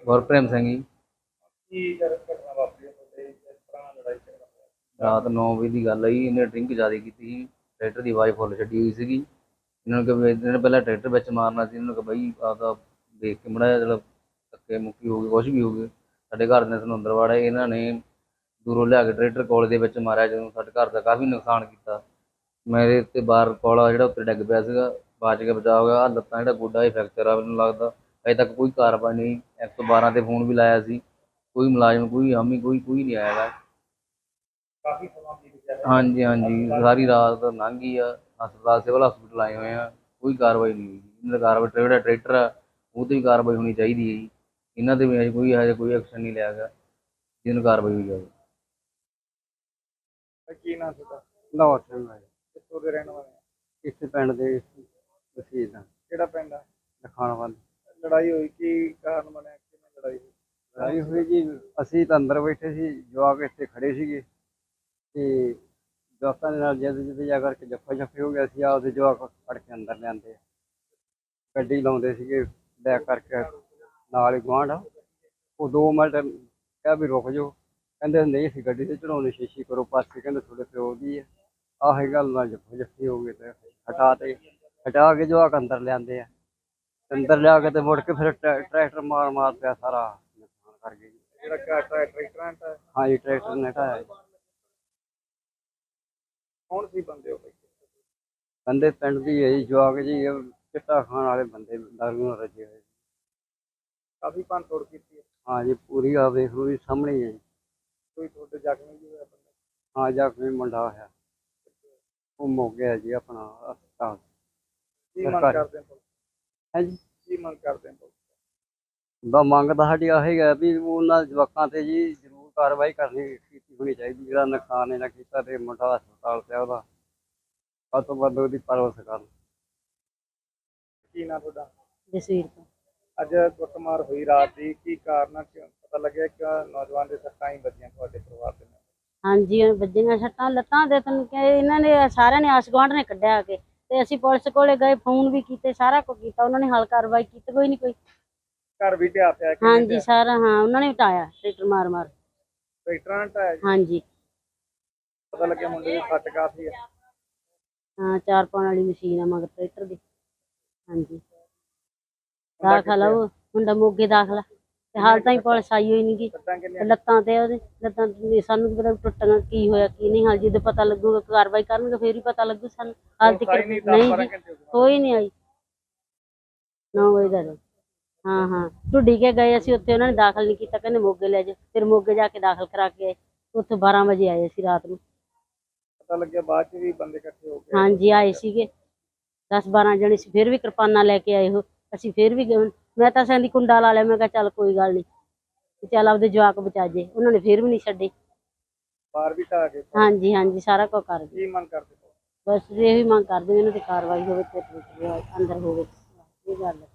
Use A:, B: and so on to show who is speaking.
A: ਗੁਰਪ੍ਰੀਤ ਸਿੰਘ ਜੀ।
B: ਕੀ ਕਰ ਘਟਨਾ ਵਾਪਰੀ ਹੈ ਤੁਹਾਡੇ ਇਸ ਤਰ੍ਹਾਂ ਲੜਾਈ ਝਗੜਾ ਹੋਇਆ?
A: ਰਾਤ 9 ਵਜੇ ਦੀ ਗੱਲ ਹੈ ਜੀ। ਇਹਨੇ ਡਰਿੰਕ ਜ਼ਿਆਦਾ ਕੀਤੀ ਸੀ। ਟਰੈਕਟਰ ਦੀ ਆਵਾਜ਼ ਫੁੱਲ ਛੱਡੀ ਹੋਈ ਸੀਗੀ। ਇਹਨਾਂ ਨੂੰ ਕਿ ਵੀ ਇਹਨਾਂ ਨੇ ਪਹਿਲਾਂ ਟਰੈਕਟਰ ਵਿੱਚ ਮਾਰਨਾ ਸੀ। ਇਹਨਾਂ ਨੂੰ ਕਿ ਬਈ ਆਪਦਾ ਦੇਖ ਕੇ ਮਾੜਾ ਜਿਹਾ ਚਲੋ ਧੱਕੇ ਮੁੱਕੀ ਹੋ ਗਈ, ਕੁਛ ਵੀ ਹੋ ਗਏ। ਸਾਡੇ ਘਰ ਦੇ ਸਾਨੂੰ ਅੰਦਰ ਵਾੜੇ। ਇਹਨਾਂ ਨੇ ਦੂਰੋਂ ਲਿਆ ਕੇ ਟਰੈਕਟਰ ਕੋਲ ਦੇ ਵਿੱਚ ਮਾਰਿਆ, ਜਦੋਂ ਸਾਡੇ ਘਰ ਦਾ ਕਾਫੀ ਨੁਕਸਾਨ ਕੀਤਾ। ਮੇਰੇ ਉੱਤੇ ਬਾਹਰ ਕੋਲਾ ਜਿਹੜਾ ਉੱਤੇ ਡਿੱਗ ਪਿਆ ਸੀਗਾ, ਬਚ ਕੇ ਬਚਾ ਹੋ ਗਿਆ। ਆਹ ਲੱਤਾਂ ਜਿਹੜਾ ਗੋਡਾ ਹੀ ਫ੍ਰੈਕਚਰ ਆ ਮੈਨੂੰ ਲੱਗਦਾ। ਅਜੇ ਤੱਕ ਕੋਈ ਕਾਰਵਾਈ ਨਹੀਂ। 112 ਤੇ ਫੋਨ ਵੀ ਲਾਇਆ ਸੀ, ਕੋਈ ਮੁਲਾਜ਼ਮ, ਕੋਈ ਹਾਮੀ, ਕੋਈ ਨਹੀਂ ਆਇਆ ਗਾ।
B: ਕਾਫੀ ਸਮਾਂ ਬੀਤ ਗਿਆ ਹੈ।
A: ਹਾਂਜੀ ਹਾਂਜੀ, ਸਾਰੀ ਰਾਤ ਲੰਘ ਗਈ ਆ। ਹਸਪਤਾਲ, ਸਿਵਲ ਹਸਪਤਾਲ ਆਏ ਹੋਏ ਆ, ਕੋਈ ਕਾਰਵਾਈ ਨਹੀਂ ਹੋਈ। ਇਹਨਾਂ ਦਾ ਕਾਰਵਾਈ ਜਿਹੜਾ ਟਰੈਕਟਰ ਆ ਉਹ 'ਤੇ ਵੀ ਕਾਰਵਾਈ ਹੋਣੀ ਚਾਹੀਦੀ ਹੈ ਜੀ। ਇਹਨਾਂ 'ਤੇ ਵੀ ਹਜੇ ਕੋਈ ਐਕਸ਼ਨ ਨਹੀਂ ਲਿਆ ਗਿਆ ਜਿਹਨੂੰ ਕਾਰਵਾਈ ਹੋਈ ਜਾਵੇ।
B: ਕੀ ਨਾਮ ਤੁਹਾਡਾ?
C: ਲਾਹੌਰ ਸਿੰਘ ਆ ਜੀ।
B: ਕਿੱਥੋਂ ਦੇ ਰਹਿਣ ਵਾਲੇ ਆ?
C: ਇਸੇ ਪਿੰਡ ਦੇ ਵਸੀਲ ਆ,
B: ਕਿਹੜਾ ਪਿੰਡ ਆ?
C: ਲਖਾਣ ਵੱਲ।
B: ਲੜਾਈ ਹੋਈ, ਕੀ ਕਾਰਨ ਬਣਿਆ, ਕਿਵੇਂ ਲੜਾਈ ਹੋਈ?
C: ਲੜਾਈ ਹੋਈ ਜੀ, ਅਸੀਂ ਤਾਂ ਅੰਦਰ ਬੈਠੇ ਸੀ, ਜਵਾਕ ਇੱਥੇ ਖੜੇ ਸੀਗੇ ਤੇ ਜਵਾਕਾਂ ਦੇ ਨਾਲ ਜਿੱਦ ਜਾ ਕਰਕੇ ਜੱਫਾ ਜੱਫੀ ਹੋ ਗਿਆ ਸੀ। ਆਪਦੇ ਜਵਾਕ ਫੜ ਕੇ ਅੰਦਰ ਲਿਆਂਦੇ, ਗੱਡੀ ਲਾਉਂਦੇ ਸੀਗੇ ਬੈਕ ਕਰਕੇ ਨਾਲ ਹੀ ਗੁਆਂਢ। ਉਹ 2 ਮਿੰਟ ਕਿਹਾ ਵੀ ਰੁਕ ਜਾਓ, ਕਹਿੰਦੇ ਨਹੀਂ ਅਸੀਂ ਗੱਡੀ ਤੇ ਚੜਾਉਣੀ, ਸ਼ੀਸ਼ੀ ਕਰੋ ਪਾਸੇ, ਕਹਿੰਦੇ ਤੁਹਾਡੇ ਪਿਓ ਦੀ ਹੈ। ਆਹੀ ਗੱਲ ਨਾਲ ਜੱਫਾ ਜੱਫੀ ਹੋ ਗਈ ਤੇ ਹਟਾ ਕੇ ਜਵਾਕ ਅੰਦਰ ਲਿਆਂਦੇ ਆ। ਅੰਦਰ ਲਿਆ ਕੇ ਤੇ ਮੁੜ ਕੇ ਫਿਰ ਟਰੈਕਟਰ ਮਾਰ ਪਿਆ, ਸਾਰਾ ਨੁਕਸਾਨ ਕਰ ਗਏ ਜੀ।
B: ਜਿਹੜਾ ਟਰੈਕਟਰਾਂ ਦਾ
C: ਹਾਂ ਜੀ, ਟਰੈਕਟਰ ਨੇ ਢਾਇਆ ਜੀ।
B: ਕੌਣ ਸੀ ਬੰਦੇ ਹੋ ਬਈ?
C: ਬੰਦੇ ਪਿੰਡ ਦੀ ਹੈ ਜੀ, ਜਵਾਕ ਜੀ ਇਹ ਚਿੱਟਾ ਖਾਣ ਵਾਲੇ ਬੰਦੇ, ਦਾਰੂ ਨਾਲ ਰੱਜੇ ਹੋਏ।
B: ਕਾਫੀ ਭੰਨ ਤੋੜ ਕੀਤੀ ਹੈ।
C: ਹਾਂ ਜੀ, ਪੂਰੀ ਆ ਵੇਖ ਲਓ ਜੀ, ਸਾਹਮਣੇ ਹੀ ਹੈ ਜੀ।
B: ਕੋਈ ਤੁਹਾਡੇ ਜ਼ਖਮੀ ਵੀ ਹੋਇਆ ਬੰਦਾ?
C: ਹਾਂ, ਜ਼ਖਮੀ ਮੁੰਡਾ ਹੋਇਆ, ਉਹ ਮੁੱਕ ਗਿਆ ਜੀ ਆਪਣਾ ਹਸਪਤਾਲ।
B: ਕੀ ਮੰਗ
C: ਸਰਕਾਰੀ।
B: ਕਰਦੇ ਹੋ?
C: ਹੈ ਜੀ,
B: ਕੀ ਮੰਗ ਕਰਦੇ ਹੋ?
C: ਮੰਗ ਤਾਂ ਸਾਡੀ ਆਹੀ ਹੈ ਵੀ ਉਹਨਾਂ ਜਵਾਕਾਂ ਤੇ ਜੀ ਜ਼ਰੂਰ ਕਾਰਵਾਈ ਕੀਤੀ ਹੋਣੀ ਚਾਹੀਦੀ। ਜਿਹੜਾ ਨੁਕਸਾਨ ਇਹਨਾਂ ਕੀਤਾ ਤੇ ਮੁੰਡਾ ਹਸਪਤਾਲ ਪਿਆ, ਉਹਦਾ ਵੱਧ ਤੋਂ ਵੱਧ ਉਹਦੀ ਪਰਵਰਿਸ਼ ਕਰਨ।
B: ਕੀ ਨਾਮ ਤੁਹਾਡਾ?
D: ਜਸਵੀਰ ਤੋਂ।
B: ਅੱਜ ਕੁੱਟਮਾਰ ਹੋਈ ਰਾਤ ਦੀ, ਕੀ ਕਾਰਨ ਆ? ਕਿਉਂ ਪਤਾ ਲੱਗਿਆ ਕਿ ਨੌਜਵਾਨ ਦੇ ਸੱਟਾਂ ਹੀ ਵੱਜੀਆਂ ਤੁਹਾਡੇ ਪਰਿਵਾਰ ਦੇ ਨਾਲ?
D: ਹਾਂਜੀ, ਵੱਜੀਆਂ ਸੱਟਾਂ ਲੱਤਾਂ ਦੇ। ਤੈਨੂੰ ਕਿ ਇਹਨਾਂ ਨੇ ਸਾਰਿਆਂ ਨੇ ਆਸ ਗੁਆਂਢ ਨੇ ਕੱਢਿਆ ਆ ਕੇ, ਤੇ ਅਸੀਂ ਪੁਲਿਸ ਕੋਲੇ ਗਏ, ਫੋਨ ਵੀ ਕੀਤੇ, ਸਾਰਾ ਕੁਝ ਕੀਤਾ। ਉਹਨਾਂ ਨੇ ਹਾਲ ਕਾਰਵਾਈ ਕੀਤੀ ਕੋਈ ਨਹੀਂ। ਕੋਈ
B: ਘਰ ਵੀ ਢਿਆ ਪਿਆ?
D: ਹਾਂਜੀ ਸਾਰਾ, ਹਾਂ ਉਹਨਾਂ ਨੇ ਢਾਇਆ ਟਰੈਕਟਰ ਮਾਰ ਮਾਰ।
B: ਟਰੈਕਟਰਾਂ ਨਾਲ ਢਾਇਆ ਜੀ?
D: ਹਾਂਜੀ
B: ਪਤਾ ਲੱਗਿਆ ਮੁੰਡੇ ਦੀ ਸੱਟ ਕਾਫੀ ਹੈ।
D: ਹਾਂ, 4 ਪਾਉਣ ਵਾਲੀ ਮਸ਼ੀਨ ਆ ਮਗਰ ਟਰੈਕਟਰ ਦੀ। ਹਾਂਜੀ,
B: ਮੁੰਡਾ
D: ਦਾਖਲ ਆ ਉਹ ਮੁੰਡਾ ਮੋਗੇ ਦਾਖਲਾ, ਤੇ ਹਾਲ ਤਾਂ ਹੀ ਪੁਲਿਸ ਆਈ ਹੋਈ ਨਹੀਂ ਗੀ।
B: ਸੱਟਾਂ ਕਿੰਨੀਆਂ?
D: ਲੱਤਾਂ ਤੇ ਉਹਦੇ ਲੱਤਾਂ ਸਾਨੂੰ ਕੀ ਪਤਾ ਟੁੱਟੀਆਂ, ਕੀ ਹੋਇਆ ਕੀ ਨਹੀਂ। ਹਾਲ ਜਦੋਂ ਪਤਾ ਲੱਗੂਗਾ, ਕਾਰਵਾਈ ਕਰਨਗੇ ਫੇਰ ਹੀ ਪਤਾ ਲੱਗੂ ਸਾਨੂੰ। ਹਾਲ ਤੱਕ
B: ਨਹੀਂ,
D: ਨਹੀਂ
B: 10-12
D: ਜੀ,
B: ਘੰਟੇ ਹੋ ਗਏ।
D: ਕੋਈ ਨਹੀਂ ਆਈ। 9 ਵਜੇ ਦਾ। ਹਾਂ ਹਾਂ, ਢੁੱਡੀ ਕੇ ਗਏ ਅਸੀਂ, ਉੱਥੇ ਉਹਨਾਂ ਨੇ ਦਾਖਲ ਨਹੀਂ ਕੀਤਾ, ਕਹਿੰਦੇ ਮੋਗੇ ਲੈ ਜਾ। ਫਿਰ ਮੋਗੇ ਜਾ ਕੇ ਦਾਖਲ ਕਰਾ ਕੇ ਆਏ, ਉੱਥੇ 12 ਵਜੇ ਆਏ ਅਸੀਂ ਰਾਤ ਨੂੰ।
B: ਪਤਾ ਲੱਗਿਆ ਬਾਅਦ ਚ ਵੀ ਬੰਦੇ ਇਕੱਠੇ ਹੋ ਗਏ?
D: ਹਾਂਜੀ ਆਏ ਸੀਗੇ 10-12 ਜਣੇ ਸੀ, ਫਿਰ ਵੀ ਕਿਰਪਾਨਾਂ ਲੈ ਕੇ ਆਏ ਹੋ। ਅਸੀਂ ਫਿਰ ਵੀ ਗਏ। ਮੈਂ ਤਾਂ ਸੈਂਦੀ ਕੁੰਡਾ ਲਾ ਲਿਆ, ਮੈਂ ਕਿਹਾ ਚੱਲ ਕੋਈ ਗੱਲ ਨਹੀਂ, ਚੱਲ ਆਪਦੇ ਜਵਾਕ ਬਚਾ ਜੇ। ਉਹਨਾਂ ਨੇ ਫਿਰ ਵੀ ਨਹੀਂ ਛੱਡੇ।
B: ਬਾਹਰ ਵੀ ਢਾਹ ਕੇ?
D: ਹਾਂਜੀ ਹਾਂਜੀ, ਸਾਰਾ ਕੁਝ ਕਰ ਗਏ।
B: ਕੀ ਮੰਗ ਕਰਦੇ ਹੋ?
D: ਬਸ ਇਹੀ ਮੰਗ ਕਰਦੇ ਇਹਨਾਂ ਦੀ ਕਾਰਵਾਈ ਹੋਵੇ ਤੇ ਅੰਦਰ ਹੋਵੇ, ਇਹ ਗੱਲ।